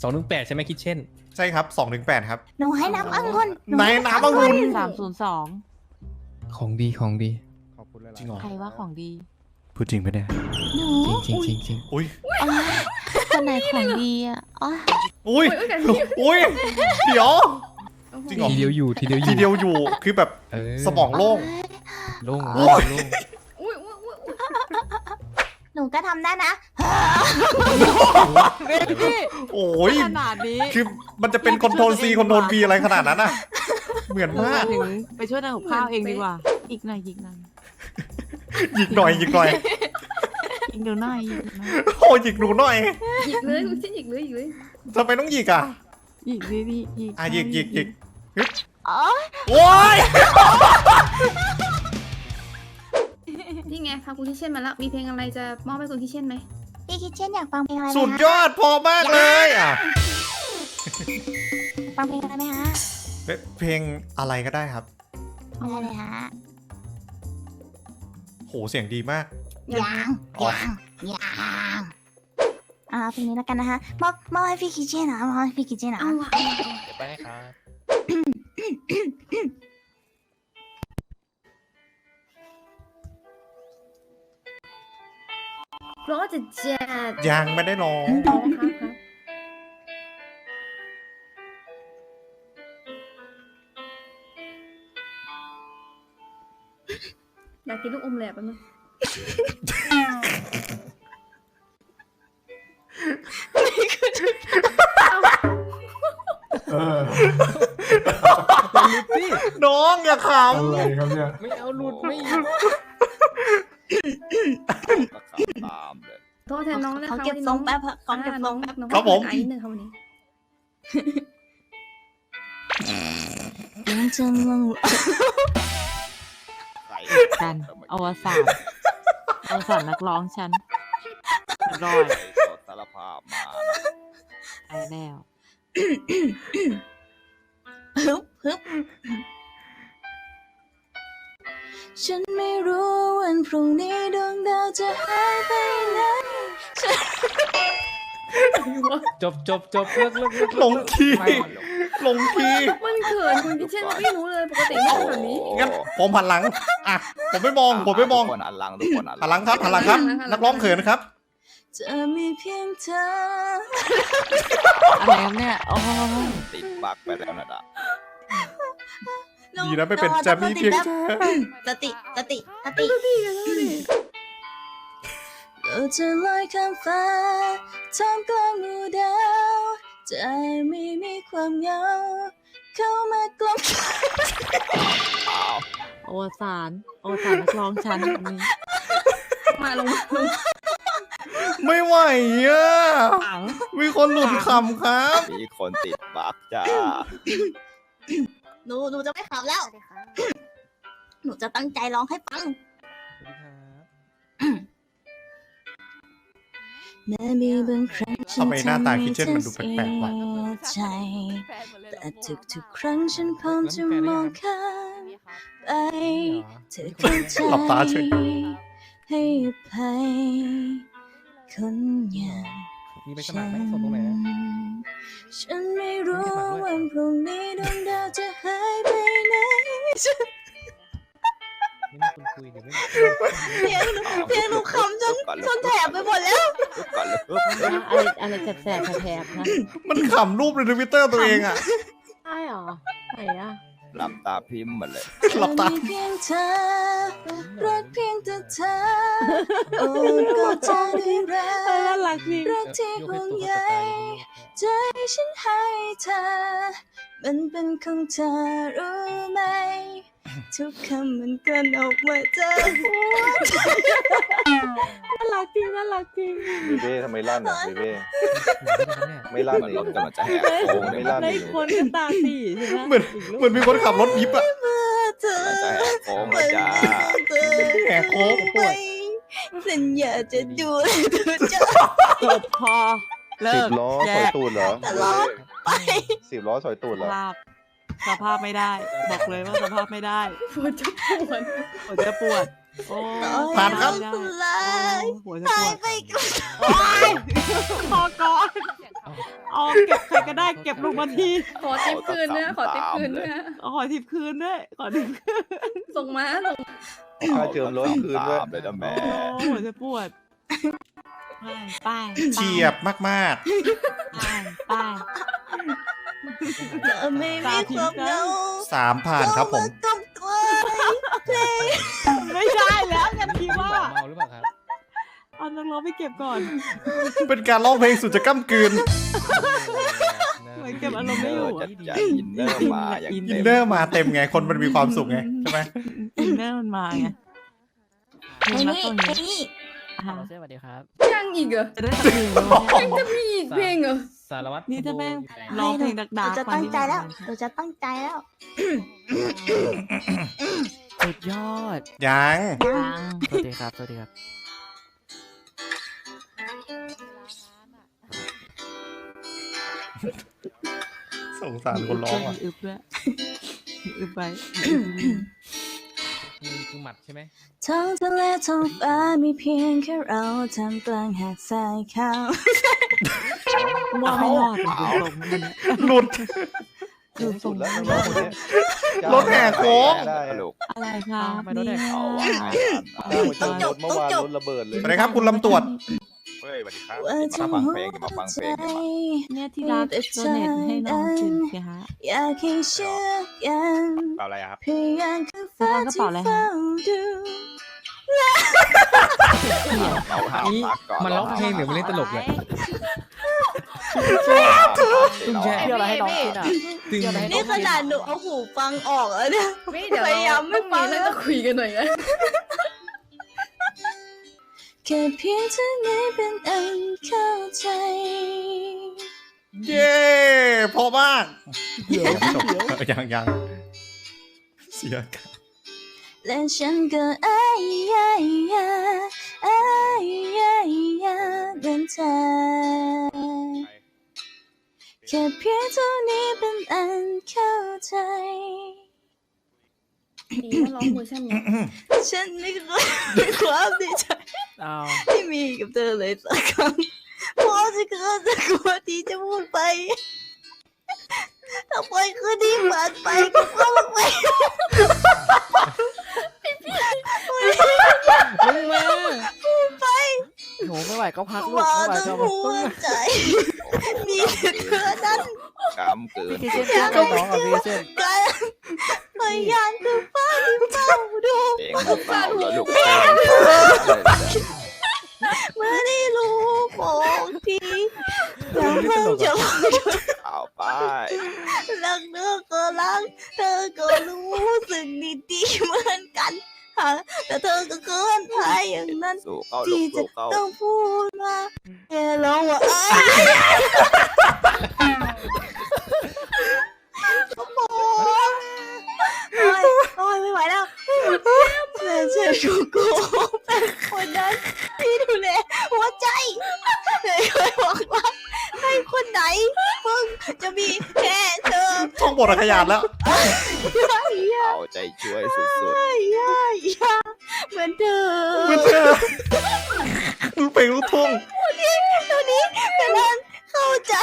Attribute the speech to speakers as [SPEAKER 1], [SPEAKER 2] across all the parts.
[SPEAKER 1] 218ใช่ไหมคิดเช่น
[SPEAKER 2] ใช่ครับ2-8ครับ
[SPEAKER 3] หนูให้น้ำองุ่น
[SPEAKER 2] ไหนน้ำองุ่น
[SPEAKER 4] 302
[SPEAKER 1] ของดีของดี
[SPEAKER 5] ขอบคุณหลายๆ
[SPEAKER 2] จริงเหรอ
[SPEAKER 4] ใครว่าของดี
[SPEAKER 2] พูดจริงไหมเนี่ย
[SPEAKER 3] หนู
[SPEAKER 1] จริงจริงจริงจริง
[SPEAKER 2] อุ้ย
[SPEAKER 4] คนไหนของดีอ่ะอ๋อ
[SPEAKER 2] อุ้ยอุ้ยเดี๋ยวจริงเหรอ
[SPEAKER 1] ทีเดียวอยู่ทีเดียวอ
[SPEAKER 2] ที
[SPEAKER 1] ยู่
[SPEAKER 2] เดียวอยู่คือแบบ
[SPEAKER 1] เออ
[SPEAKER 2] สมองโล่ง
[SPEAKER 1] โล่ง
[SPEAKER 2] โอ้
[SPEAKER 1] โล่ง
[SPEAKER 2] ย
[SPEAKER 1] โล่ง
[SPEAKER 3] หนูก็ทำได้นะ
[SPEAKER 2] โอ้ย
[SPEAKER 4] ขนาดนี้
[SPEAKER 2] คือมันจะเป็นคอนโทรล C คอนโทรล V อะไรขนาดนั้นอ่ะเหมือนมาก
[SPEAKER 4] ถึงไปช่วยทำกับข้าวเองดีกว่า อีกหน่อยอีกหน่อย
[SPEAKER 2] หยิกหน่อยหยิกหน่อย
[SPEAKER 4] อีกเดี๋ยวหน่อยอีกหน่อย
[SPEAKER 2] โอ้ยหยิกหนูหน่อย
[SPEAKER 6] หยิกเลยคุณชิ้นหยิกเลยหยิกเลย
[SPEAKER 2] ทำไมต้องหยิกอ่ะ
[SPEAKER 4] อีกนิดอีก
[SPEAKER 2] อ่ะหยิกหยิกหยิก
[SPEAKER 4] อ๋อ
[SPEAKER 2] โอ้ย
[SPEAKER 6] นี่ไงพาคุณคิเช่นมาแล้วมีเพลงอะไรจะมอบให้คุณคิเช่นไหม
[SPEAKER 3] พี่คิดเช่นอยากฟังเพลงอะไรไหม
[SPEAKER 2] สุด
[SPEAKER 3] คะ
[SPEAKER 2] ยอดพอมากเลยอ่ะ
[SPEAKER 3] ฟังเพลงอะไรไหมคะ
[SPEAKER 2] เพลงอะไรก็ได้ครับ
[SPEAKER 3] ได้เลยฮะ
[SPEAKER 2] โหเสียงดีมาก
[SPEAKER 3] ยังเพลงนี้แล้วกันนะคะมอบให้พี่คิดเช่นนะมอบให้พี่คิดเช่นนะ
[SPEAKER 6] เอาว่ะ
[SPEAKER 1] เดี๋ยวไปให้ครับ
[SPEAKER 6] เพราะจะแจ๊ด
[SPEAKER 2] ยังไม่ได้ร้อง
[SPEAKER 6] อ๋อครับอยากกินลูกอมแหลบแป๊บนึง
[SPEAKER 2] น้องอย่าข
[SPEAKER 5] อะไรครับเนี่ย
[SPEAKER 1] ไม่เอาหลุดไม่
[SPEAKER 7] ตามเลย
[SPEAKER 6] โทษแทนน้องนะคะ
[SPEAKER 3] เขาเก็บทรงแป๊บเขาเก็บทรง
[SPEAKER 6] น้
[SPEAKER 3] แป๊บ
[SPEAKER 6] องครับผมไอ้หนึ่งค่ะวันนี้
[SPEAKER 3] ยังจะงง
[SPEAKER 7] ใคร
[SPEAKER 4] กันอวสานนักร้องฉันรอด
[SPEAKER 7] สดสารภาพมา
[SPEAKER 4] ไปแล้ว
[SPEAKER 3] ฮึบฉันไม่รู้วันพรุ่งนี้ดวงดาวจะหายไปไหน
[SPEAKER 1] จบเลิก
[SPEAKER 2] ำลงคีย์ลงคีย์
[SPEAKER 6] มันเขินคุณคิเช่นไม่รู้เลยปกติไม่เป็นแบบนี้
[SPEAKER 2] งั้นผมหันหลังอ่ะผมไม่มอง
[SPEAKER 7] ทุกคนอันหลังทุกคนอัน
[SPEAKER 2] หันหลังครับหันหลังครับ นักร้องเขินครับ
[SPEAKER 3] จะมีเพียงเธอ
[SPEAKER 4] อะไรครับเนี่ยโอ้
[SPEAKER 7] ติดบักไปแล้วนะดะ
[SPEAKER 2] ดีนะไม่เป็นจะมีเพียงเธอ
[SPEAKER 3] สติเราจะลอยข้ามฟ้าท่ามกลางหมู่ดาวใจไม่มีความเหงาเข้ามากลม
[SPEAKER 4] อวสานนักร้องฉันวันนี้
[SPEAKER 6] มาลง
[SPEAKER 2] ไม่ไหวอ่ะมีคนหลุดคำครับ
[SPEAKER 7] มีคนติดบักจ้า
[SPEAKER 3] หนูจะไม่ขับแล้ว หนูจะตั้งใจร้องให้ฟัง แม้มีบางครั้งฉัน
[SPEAKER 2] ทำไมหน้าตาคิดเช่นมันดูแปลกๆวะ
[SPEAKER 3] ใจแต่ทุกๆครั้งฉันพร้อมจะมองข้ามไปเธอเข้าใจ
[SPEAKER 2] หลับตาเฉย
[SPEAKER 3] ให้อภัยคนอย่าง
[SPEAKER 1] มีไปสมัครไหมส่งตรงไหน
[SPEAKER 3] ฉันไม่รู้วันพรุ่งนี้ดวงดาวจะหายไปไหน
[SPEAKER 1] ไม่มีคนคุยหรือไม่
[SPEAKER 3] เพียงหนูขำจนแถบไปหมดแล้ว
[SPEAKER 7] ลุกก่อนเลย
[SPEAKER 4] อะไรแสบๆแถบๆนะ
[SPEAKER 2] มันขำรูปในทวิตเตอร์ตัวเองอ่ะ
[SPEAKER 4] ใช่หรอไหนอ่ะ
[SPEAKER 7] หลับตาพิมพ์หมดเลย
[SPEAKER 2] หลับตา
[SPEAKER 3] มีเพียงเธอรักเพียงแต่เธอโอ้ก็จะได้รั
[SPEAKER 4] น่าก รักจริง
[SPEAKER 3] รักที่ห่วงใยใจฉันให้เธอ มันเป็นของเธอรู้ไหม ทุกคำมันกลั่นออกมาจากหัวใจ
[SPEAKER 4] น่ารักจริง
[SPEAKER 5] วิเว่ทำไมลั่นอ่ะวิเว่ไม่
[SPEAKER 7] ร
[SPEAKER 5] ลั่น
[SPEAKER 7] ถ
[SPEAKER 5] เลย
[SPEAKER 7] กำลังจะแหกโค้ง
[SPEAKER 5] ไม่ลั่น
[SPEAKER 4] ได้คนก็ตาสีใช่ไหม
[SPEAKER 2] เหมือนมีคนขับรถยิบอ่ะ
[SPEAKER 3] เธอก
[SPEAKER 7] ำลังจะแหกโค้งแล้วจ้า
[SPEAKER 3] เธอ
[SPEAKER 2] แหกโค้ง
[SPEAKER 3] ไปสัญญาจะดูแลเธอจะ
[SPEAKER 4] จบพอเลิ
[SPEAKER 5] สิบ
[SPEAKER 4] ก
[SPEAKER 5] ล้อ
[SPEAKER 4] แย
[SPEAKER 5] สอย
[SPEAKER 4] ก
[SPEAKER 5] ตูดเหรอ
[SPEAKER 3] ตลอดไป
[SPEAKER 5] 10 ล้อสอยตูดเหรอ
[SPEAKER 4] สภาพไม่ได้ บอกเลยว่าสภาพไม่ได้
[SPEAKER 6] ปวดจะปวด
[SPEAKER 4] หัวจะปวด โอ้
[SPEAKER 2] ผ่านครับ
[SPEAKER 4] ไม่ได้
[SPEAKER 3] ลาย
[SPEAKER 4] หัวจะป
[SPEAKER 3] หา
[SPEAKER 4] วย ด
[SPEAKER 3] ไปกับ
[SPEAKER 4] พอก่อนเอาเก็บใครก็ได้เก็บลงมาที
[SPEAKER 6] ขอทิปคืนนะขอทิปคืนนะ
[SPEAKER 4] เอาขอทิปคืนด้วยขอทิปคืน
[SPEAKER 6] ส่งมาส่ง
[SPEAKER 5] ค่าเจิมรถคืนด้วย
[SPEAKER 7] ตามเลยนะแม่
[SPEAKER 4] โอ้หัวจะปวดไป
[SPEAKER 2] เฉียบมาก
[SPEAKER 4] ไป
[SPEAKER 3] จะไม่มีความเหงา
[SPEAKER 2] ๆ3 ผ่านครับผม
[SPEAKER 3] กำกวายเพลง
[SPEAKER 4] ไม่ได้แล้วกันทีว่า
[SPEAKER 1] เมาหรือเปล่าครับ
[SPEAKER 4] เอานักร้องไปเก็บก่อน
[SPEAKER 2] เป็นการร้องเพลงสุดจะก้ำกลืน
[SPEAKER 4] เหมือนเก็บอารมณ์ไม่อยู่
[SPEAKER 7] จัดใจอินเนอร์มาอย่าง
[SPEAKER 2] อิน
[SPEAKER 7] เต็ม
[SPEAKER 2] เนอร์มาเต็มไง คนมันมีความสุขไง ใช่ไหม
[SPEAKER 4] อินเนอร์มันมาไง
[SPEAKER 3] เพลง
[SPEAKER 4] นัก
[SPEAKER 3] นี้
[SPEAKER 4] ตรง
[SPEAKER 3] เพล
[SPEAKER 4] นี้
[SPEAKER 3] งนี้
[SPEAKER 4] อ่ะ
[SPEAKER 1] สวัสดีครับ
[SPEAKER 6] ยังอีกเหรอ
[SPEAKER 4] จะได้สักเพลงแล้วเนี่ย
[SPEAKER 6] จะมีอีกเพลงเหรอ
[SPEAKER 1] สารวัตร
[SPEAKER 4] นี่ถ้าแม่ง
[SPEAKER 1] อยู่ไหน
[SPEAKER 4] ร้องเพลงดัก
[SPEAKER 3] เรา
[SPEAKER 4] ๆ
[SPEAKER 3] จะตั้งใจแล้วเราจะตั้งใจแล้ว
[SPEAKER 8] สุดยอด
[SPEAKER 2] ยัง
[SPEAKER 4] ฟัง
[SPEAKER 8] สวัสดีครับ สวัสดีครับ
[SPEAKER 2] สงสารคนร้องอ่ะ
[SPEAKER 4] มีอึบด้วยมีอึบไป
[SPEAKER 1] นี่คือหมัดใช่ไหม
[SPEAKER 3] ท้องทะเลท้องฟ้ามีเพียงแค่เราทำกลางหาดทรายขาว
[SPEAKER 4] ว่าไม่รอดเป็นตรงๆนั่นแหละ
[SPEAKER 2] หลุด
[SPEAKER 5] สูงสุดแล้วน้องคนเนี้ย
[SPEAKER 2] รถแห่โค้ง
[SPEAKER 5] ได้
[SPEAKER 7] ตลก
[SPEAKER 4] อะไรครับ
[SPEAKER 8] ไม่รู้ได้
[SPEAKER 4] เนี่ย
[SPEAKER 7] เอาว่าไง
[SPEAKER 5] ได้มาเจิมรถเมื่อวานรถระเบิดเลย
[SPEAKER 2] สวัสดีครับคุณลำตรวจ
[SPEAKER 7] เฮ้ยสวัสดีครับ
[SPEAKER 3] ว่า
[SPEAKER 7] มา
[SPEAKER 3] จะ
[SPEAKER 7] ฟัง
[SPEAKER 3] หั
[SPEAKER 7] เพลง
[SPEAKER 3] ว
[SPEAKER 7] มาฟังเพ
[SPEAKER 3] ใจ
[SPEAKER 7] ลงกันมา
[SPEAKER 4] เนี่ยที่รักโดเนทให้น้องสินสิฮะ
[SPEAKER 3] อยากให้เชื่อกัน
[SPEAKER 7] เปล่าอะไรครับ
[SPEAKER 3] พยานคือฟ้าที่เฝ้าดู
[SPEAKER 7] เราหา
[SPEAKER 1] นี่
[SPEAKER 7] พักก่อน
[SPEAKER 1] มันร้องเพลงหรือมันเล่นตลกเนี่ย
[SPEAKER 7] ตุ้ง
[SPEAKER 1] แช่
[SPEAKER 8] เที่ยวอะไรให้น้องกินอ่ะ
[SPEAKER 1] ตึง
[SPEAKER 3] นี่ขนาดหนูเอาหูฟังออกแล้วเนี่ย
[SPEAKER 6] ไม่เดี๋ยว
[SPEAKER 3] พยายามไม่
[SPEAKER 6] ต้อง
[SPEAKER 3] ฟัง
[SPEAKER 6] เรื่องจะคุยกันหน่อยนะ
[SPEAKER 3] แค่เพียงเท่านี้เป็นอันเข้าใจ
[SPEAKER 2] เย้พอมาก เดี๋ยวยังเสียกัน
[SPEAKER 3] และฉันก็อ้ายอ้ายอ้ายอ้ายอ้ายอ้ายเดินทางแค่เพียงเท่านี้เป็นอันเข้าใจ
[SPEAKER 6] ดีนะร้องเวอร์ชันเนี้ย
[SPEAKER 3] ฉันไม่เคยมีความดีใจ
[SPEAKER 8] เอา
[SPEAKER 3] ที่มีกับเธอเลยสักครั้งเพราะจะเกิดจะกลัวที่จะพูดไปถ้าปล่อยคืนนี้ผ่านไปก็เข้าไป
[SPEAKER 1] ลงมา
[SPEAKER 8] โหไม่ไหวก็พักลูก
[SPEAKER 3] ว่า
[SPEAKER 8] ไม่ไหว
[SPEAKER 3] ทั้
[SPEAKER 8] ก็
[SPEAKER 3] ง
[SPEAKER 8] พัก
[SPEAKER 3] หัวใจ มีแต่เธอนั้น
[SPEAKER 7] กำเกิน
[SPEAKER 8] พี่เช่นเพื่อนน้องกับพี่เช่น
[SPEAKER 3] กันพยานคือฟ้าที่เฝ้าดู
[SPEAKER 7] เองหรือเปล่าแล้วลูก
[SPEAKER 3] เมื่อได้รู้บอกทีแล้วเพิ่งจะบอก
[SPEAKER 7] เอาไป
[SPEAKER 3] รักเธอก็รักเธอก็รู้สึกดีๆเหมือนกันแต่เธอก็เกินไปอย่างนั้น
[SPEAKER 7] สู่เข้าลู
[SPEAKER 3] ที่
[SPEAKER 7] ก
[SPEAKER 3] จะ
[SPEAKER 7] สู่เข้า
[SPEAKER 3] ต้องพูดว่าแค่ร้องว่าโอ้ยไม่ไหวแล้วแม่เชื่อชูกูเป็นคนนั้นที่ดูแลหัวใจเลยเคยบอกว่าให้คนไหนมึงจะมีแค่เธอ
[SPEAKER 2] ท่องบทขยาดแล้ว
[SPEAKER 7] เอาใจช่วยสุด
[SPEAKER 3] เหมือนเธอ
[SPEAKER 2] เหมือนเธอลูกเพลงลูกทุ่ง
[SPEAKER 3] ตัวนี้เป็นอันเข้าใจ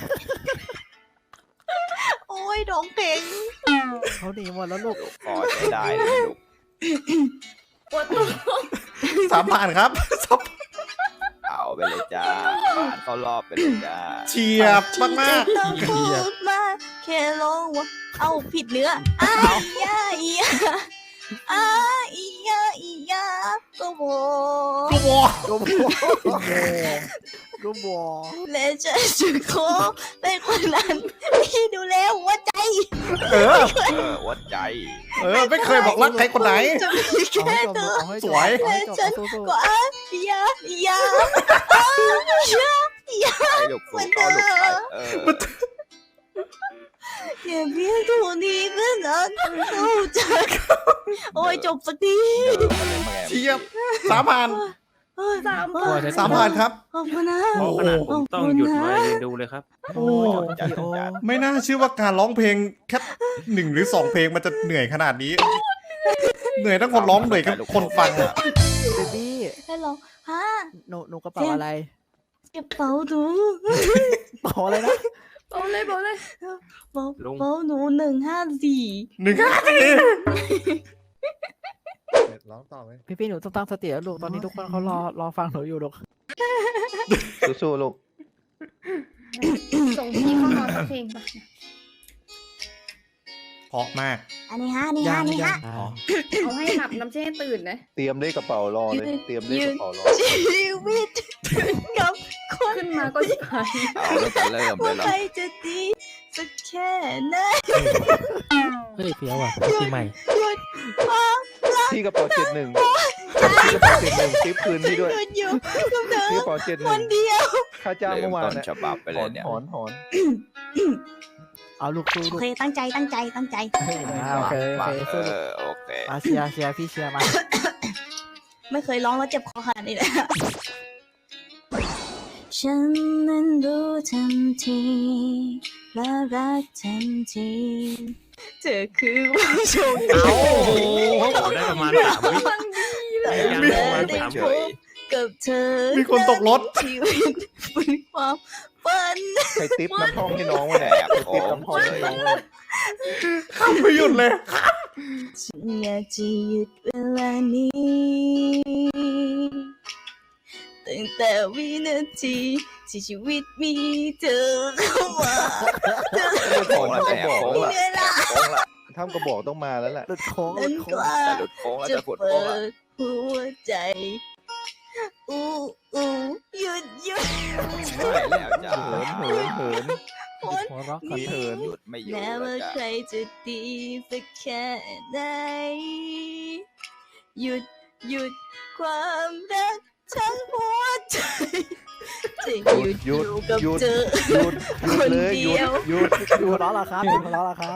[SPEAKER 3] โอ้ยดองเพลง
[SPEAKER 8] เขาหนีหมดแล้วลูก
[SPEAKER 7] ๆลูกพอใจได้เลยลูก
[SPEAKER 6] ปวดตัว
[SPEAKER 2] 3 ผ่านครับ
[SPEAKER 7] เอาไปเลยจ้าผ่านเข้ารอบไปเลยจ้า
[SPEAKER 2] เฉียบมาก
[SPEAKER 3] ที่จะต้องพูดมาแค่ร้องว่าเอาผิดเนื้ออ้ายยาอียาอ้ายอียาอียาก็บอก
[SPEAKER 2] ๆกูบอก
[SPEAKER 8] รูบอ
[SPEAKER 3] และฉันจะขอเป็นคนนั้นที่ดูแลหัวใจ
[SPEAKER 2] เออ
[SPEAKER 7] วัดใจ
[SPEAKER 2] ไม่เคยบอกรักใครคนไหน
[SPEAKER 3] จะมีแค่เธอ
[SPEAKER 2] สวย
[SPEAKER 8] เอาให้จบเอาสู้
[SPEAKER 3] ก็อ้ายยาอียาอ้ายยาอียา
[SPEAKER 7] ให้ลูกสู่เข้าลูกไป
[SPEAKER 3] แค่เพียงเท่านี้ก็นั้นเข้าใจโอ้ยจบสักที
[SPEAKER 2] เฉียบ3 ผ่าน
[SPEAKER 3] 3
[SPEAKER 2] ผ่านครับ
[SPEAKER 3] ขอบคุณนะ
[SPEAKER 2] โอ้โห
[SPEAKER 9] ต้องหยุดไว้ดูเลยครับ
[SPEAKER 2] โอ้
[SPEAKER 7] จัดจัด
[SPEAKER 2] ไม่น่าเชื่อว่าการร้องเพลงแค่1 หรือ 2 เพลงมันจะเหนื่อยขนาดนี้ เหนื่อยทั้งคนร้องเหนื่อยทั้งคนฟังอะ
[SPEAKER 8] เบบี้
[SPEAKER 3] ฮัลโหลฮะ
[SPEAKER 8] หนูกระเป๋าอะไร
[SPEAKER 3] เก็บเป๋าหนู
[SPEAKER 8] บอกอะไรนะ
[SPEAKER 6] บอกเลยบอกเลย
[SPEAKER 3] เป๋าหนู154
[SPEAKER 2] ร้องต่อไหม
[SPEAKER 8] พี่หนูต้องตั้งสติแล้วลูกตอนนี้ทุกคนเขารอฟังหนูอยู่ลูก
[SPEAKER 5] สู้ๆลูก
[SPEAKER 6] ส่งพี่เข้านอนสักเพลงปะ
[SPEAKER 2] เพราะมาก
[SPEAKER 3] อันนี้ฮะอันนี้ฮะอันนี้ฮะ
[SPEAKER 2] อ๋อ
[SPEAKER 6] เอาให้หลับน้ำเช่ให้ตื่นนะ
[SPEAKER 5] เตรียมเลขกระเป๋ารอเลย เตรียมเลขกระเป๋ารอ
[SPEAKER 3] ชีวิตกับคน
[SPEAKER 6] ขึ้นมาก็ชิบหาย
[SPEAKER 7] เอาแล้วจะเริ่มเล
[SPEAKER 3] ว่าย
[SPEAKER 7] เหรอ
[SPEAKER 3] ใครจะดีสักแค่ไหน
[SPEAKER 1] เฮ้ยเฟี้ยวอ่ะปีใหม่
[SPEAKER 3] หยุดความ
[SPEAKER 5] ที่กระเป๋า71ที่กระเป๋า71ติ๊บคืนพี่ด้วย
[SPEAKER 3] หยุดอยู่กับเธอ
[SPEAKER 5] ที่กระเป๋า
[SPEAKER 3] คนเดียว
[SPEAKER 5] 71ค่าจ้าง
[SPEAKER 7] เริ่
[SPEAKER 5] เมื่
[SPEAKER 7] ม
[SPEAKER 5] อวาน
[SPEAKER 7] ต้น
[SPEAKER 5] น่ะ
[SPEAKER 7] ฉบับไปเล
[SPEAKER 5] ถอย น
[SPEAKER 7] เนี่ย
[SPEAKER 5] ถอนถอน
[SPEAKER 8] เอาลูกสู้
[SPEAKER 3] โอ
[SPEAKER 8] ลูก
[SPEAKER 3] เคตั้งใจตั้งใจตั้งใจ
[SPEAKER 8] โอเค
[SPEAKER 7] มา
[SPEAKER 8] สู้ลูก
[SPEAKER 7] โอเค
[SPEAKER 8] มาเชียร์พี่เชียร์มา
[SPEAKER 3] ไม่เคยร้องแล้วเจ็บคอขนาดนี้เลยฉันนั้นรู้ทันทีและรักทันทีเธอคือผู้โชคดี
[SPEAKER 9] โอ้โหได้ประมาณ3 วิ
[SPEAKER 3] แต่
[SPEAKER 9] การ
[SPEAKER 3] เธ
[SPEAKER 9] ประมาณ
[SPEAKER 3] อได้
[SPEAKER 9] 3
[SPEAKER 3] พบกับเธอ
[SPEAKER 2] มีคนตกรถ
[SPEAKER 3] ชีวิตเป็นความฝัน
[SPEAKER 5] ใครติ๊บน้ำท่อมให้น้องวะเนี่ย
[SPEAKER 7] แอบ
[SPEAKER 5] ใคร
[SPEAKER 7] โอ้
[SPEAKER 5] ติ๊บน้ำท่อมให้น้องวะ
[SPEAKER 2] ข้ามไม่หยุดเลย
[SPEAKER 3] ฉันอยากจะหยุดเวลานี้ตั้งแต่วินาทีที่ชีวิตมีเธอเข้ามาเธอ
[SPEAKER 5] ถอนท่ามกระบอก
[SPEAKER 7] โค้ง
[SPEAKER 5] แล้ว
[SPEAKER 7] ละ
[SPEAKER 5] ล่ะ
[SPEAKER 3] เวลา
[SPEAKER 7] โค้งละ
[SPEAKER 5] ท่ามกระบอกต้องมาแล้วล่ะ
[SPEAKER 8] หลุดโค้งหลุ
[SPEAKER 3] นั้น
[SPEAKER 8] ดโค้
[SPEAKER 3] ก
[SPEAKER 8] ง
[SPEAKER 3] ว่า
[SPEAKER 7] จะหลุดโค้งแล้ว
[SPEAKER 3] จะ
[SPEAKER 7] จะกด
[SPEAKER 3] เปิ
[SPEAKER 7] โค้งละ
[SPEAKER 3] ดหัวใจอู้หยุด
[SPEAKER 7] ไม่แล้วจ้า
[SPEAKER 5] เหิน
[SPEAKER 3] คน
[SPEAKER 8] หัวเราะ
[SPEAKER 5] มีเหิน
[SPEAKER 7] หยุดไม่อยู่
[SPEAKER 3] แม้
[SPEAKER 7] แล้ว
[SPEAKER 3] ว่า
[SPEAKER 7] จ้า
[SPEAKER 3] ใครจะดีสักแค่ไหนหยุดความรักทั้งหัวใจจะหยุดอยู่กับเธอ
[SPEAKER 5] หยุดเลยหยุดหยุด
[SPEAKER 8] หัวเราะเหรอครับหัวเราะเหรอครับ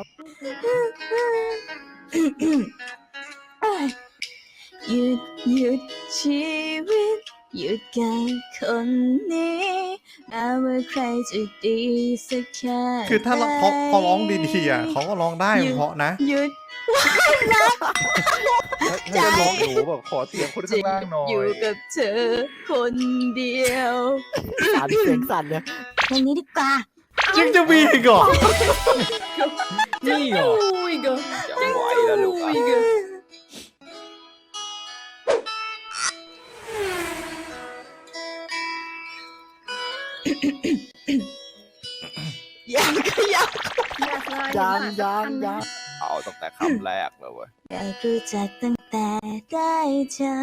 [SPEAKER 3] หยุดชีวิตหยุดกับคนนี้แม้ว่าใครจะดีสักแค่
[SPEAKER 2] คือถ้าเขาร้องดีๆอ่ะเขาก็ร้องได้เพราะนะ
[SPEAKER 3] หยุด
[SPEAKER 5] ให้จะร้องหนูบอกขอเสียงคนข้างล่างหน่อ
[SPEAKER 3] อยู่
[SPEAKER 5] ย
[SPEAKER 3] กับเธอคนเดียว
[SPEAKER 8] สั่นเสียงสั่นเลย
[SPEAKER 3] เพลงนี้ดีกว่า
[SPEAKER 2] ยังจะมีอีกเหรอ
[SPEAKER 1] นี่เหรอ
[SPEAKER 6] อุ้ยเกิน
[SPEAKER 7] จะไหวแล้วลูกอ่ะ
[SPEAKER 3] ยังก็ยัง
[SPEAKER 8] ยัง
[SPEAKER 7] เอาตั้งแต่คำแรกเลยเว้ย
[SPEAKER 3] อยากรู้จักตั้งแต่ได้เจอ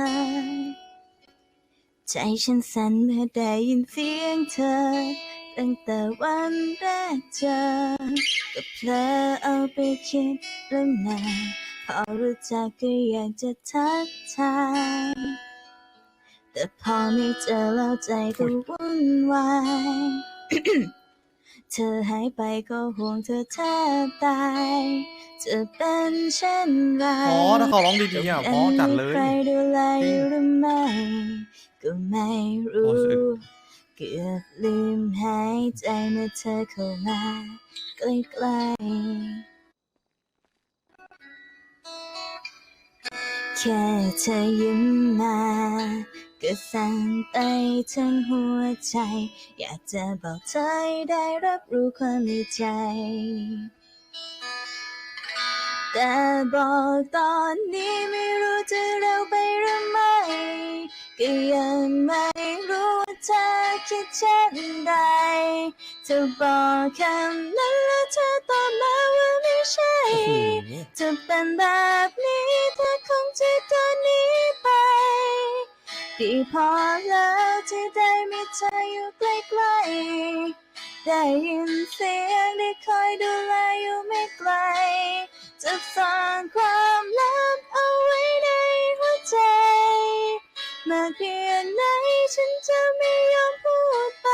[SPEAKER 3] ใจฉันสั่นเมื่อได้ยินเสียงเธอ ตั้งแต่วันแรกเจอก็เพลอเอาไปคิดเรื่องนานพอรู้จักก็อยากจะทักทายแต่พอไม่เจอแล้วใจก็วุ่นวาย เธอหายไปก็ห่วงเธอแทบตายจะเป็นเช่นไร
[SPEAKER 2] อ๋อถ้าเขาร้องดีๆอ่ะเพราะจัดเลย
[SPEAKER 3] ใครดูแลอยู่หรือไม่ก็ไม่รู้
[SPEAKER 2] โอ้สึก
[SPEAKER 3] เกือบลืมหายใจเมื่อเธอเข้ามาใกล้ๆแค่เธอยิ้มมาก็สั่นไปทั้งหัวใจอยากจะบอกเธอให้ได้รับรู้ความในใจแต่บอกตอนนี้ไม่รู้จะเร็วไปหรือไม่ก็ยังไม่รู้ว่าเธอคิดเช่นใดเธอบอกคำนั้นแล้วเธอตอบมาว่าไม่ใช่จะเป็นแบบนี้เธอคงจะเดินหนีไปดีพอแล้วที่ได้มีเธออยู่ใกล้ๆได้ยินเสียงได้คอยดูแลอยู่ไม่ไกลจะซ่อนความลับเอาไว้ในหัวใจมากเพียงไหนฉันจะไม่ยอมพูดไป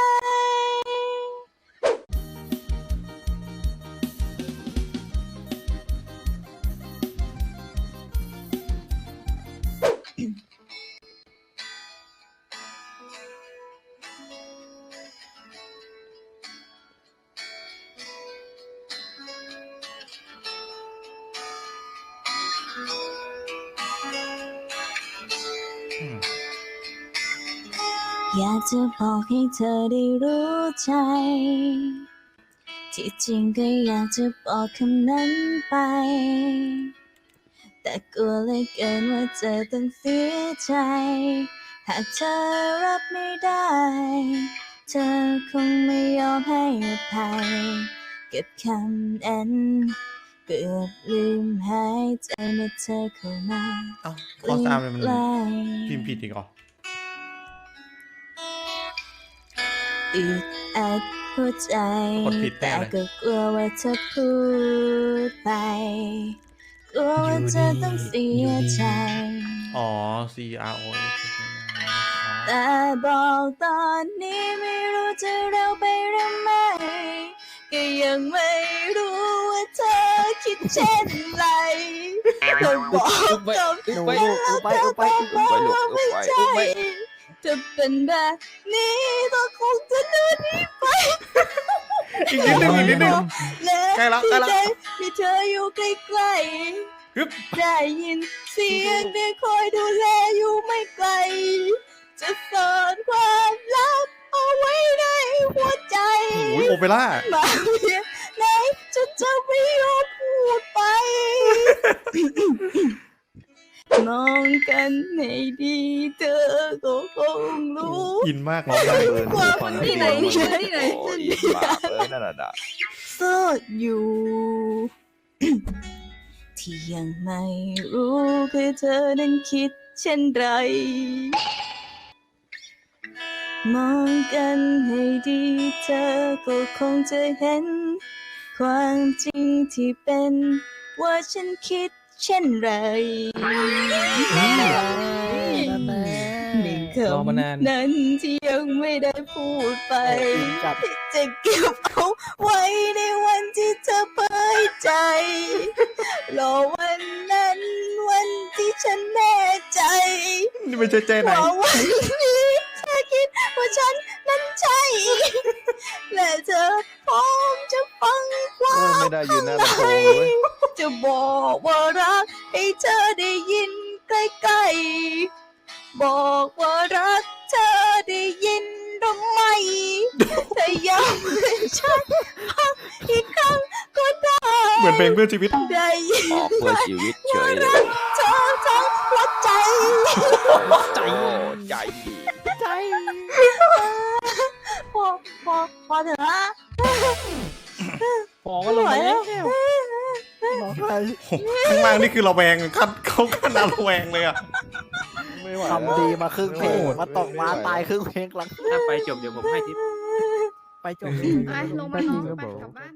[SPEAKER 3] อยากจะบอกให้เธอได้รู้ใจที่จริงก็อยากจะบอกคำนั้นไปแต่กลัวเหลือเกินว่าเธอต้องเสียใจหากเธอรับไม่ได้เธอคงไม่ยอมให้อภัยเก็บคำนั้นเกือบลืมหายใจเมื่อเธอเข้ามา
[SPEAKER 2] เอ้าข้อสามเลยมัน
[SPEAKER 3] ใกล้
[SPEAKER 2] พิมพ์ผิดอีกเหรอ
[SPEAKER 3] อึดอัดหัวใจ
[SPEAKER 2] กดผิดแน่
[SPEAKER 3] แต่
[SPEAKER 2] เลย
[SPEAKER 3] ก็กลัวว่าเธอพูดไปกลัวว่าเธอต้องเสียใจ
[SPEAKER 2] อ๋อ C R O S
[SPEAKER 3] แต่บอกตอนนี้ไม่รู้จะเร็วไปหรือไม่ก็ยังไม่รู้ว่าเธอคิดเช่นไรเธอบอกกับ
[SPEAKER 8] หนู
[SPEAKER 3] ฉัน
[SPEAKER 8] ลูก
[SPEAKER 3] แล้ว
[SPEAKER 8] ไป
[SPEAKER 3] เธอต้องบอกว่าไม่ใช่จะเป็นแบบนี้ก็คงจะเดินหนีไป
[SPEAKER 2] อีกนิดนึงอีกนิดนึง ใกล้ละใกล้ละ
[SPEAKER 3] มีเธออยู่ใกล้
[SPEAKER 2] ฮึบ
[SPEAKER 3] ๆได้ยินเสียงเธอคอยดูแลอยู่ไม่ไกล จะซ่อนความลับเอาไว้ในหัวใจ
[SPEAKER 2] โอ้ยโอเปร่า
[SPEAKER 3] มาเพียงไหนจนจะไม่ยอมพูดไป มองกันให้ดีเธอก็คงรู้
[SPEAKER 2] อินมาก
[SPEAKER 5] มอง
[SPEAKER 2] เล
[SPEAKER 5] ได้
[SPEAKER 2] ย
[SPEAKER 5] เบิร์น
[SPEAKER 3] ว่า
[SPEAKER 5] ฟัง
[SPEAKER 3] ที่ไหน
[SPEAKER 5] เสียง
[SPEAKER 6] ที่ไหน
[SPEAKER 7] โอ้ยบาปเลยนั่นน่ะ
[SPEAKER 3] โสดอยู่ ที่ยังไม่รู้คือเธอนั้นคิดเช่นไร มองกันให้ดีเธอก็คงจะเห็น ความจริงที่เป็นว่าฉันคิดเช่นไร
[SPEAKER 8] นั่นแหละ
[SPEAKER 3] หนึ่งค
[SPEAKER 1] รอมานาน
[SPEAKER 3] ำนั้นที่ยังไม่ได้พูดไป
[SPEAKER 8] จัด
[SPEAKER 3] จะเก็บเอาไว้ในวันที่เธอเผยใจ รอวันนั้นวันที่ฉันแน่ใจ
[SPEAKER 2] นี่ไม่ใช่ใจไหน
[SPEAKER 3] ว่าวันนี้เธอคิดว่าฉันนั้นใช่ และเธอพร้อมจะฟังควา
[SPEAKER 5] ไม่
[SPEAKER 3] ม
[SPEAKER 5] ได้ยืนหน้าลำโพงเลย
[SPEAKER 3] จะบอกว่ารักให้เธอได้ยินใกล้ๆบอกว่ารักเธอได้ยินหรือไม่ถ้าย้ำให้ฉันฟังอีกครั้งก็ได้
[SPEAKER 2] เหมือนเพลงเพื่อชีวิต
[SPEAKER 3] ได้ยิน
[SPEAKER 7] ออกเพื่อชีวิตเฉยเลย
[SPEAKER 3] เธอทั้งหัวใจ
[SPEAKER 7] ใจใจ
[SPEAKER 8] ใจ
[SPEAKER 3] พอเถอะนะ
[SPEAKER 1] พอก็ลงมาแล้ว
[SPEAKER 8] น้องไทย
[SPEAKER 2] ข้างล่างนี่คือระแวงขั้นเขาขั้นระแวงเลยอ่ะ
[SPEAKER 5] ไม่ไหว
[SPEAKER 8] ทำดีมาครึ่งเพลงมาตกมาตายครึ่งเพลงหลัง
[SPEAKER 9] ถ้าไปจบเดี๋ยวผมให้ทิป
[SPEAKER 8] ไปจบ
[SPEAKER 6] ไปลงมานอนไปกลับบ้าน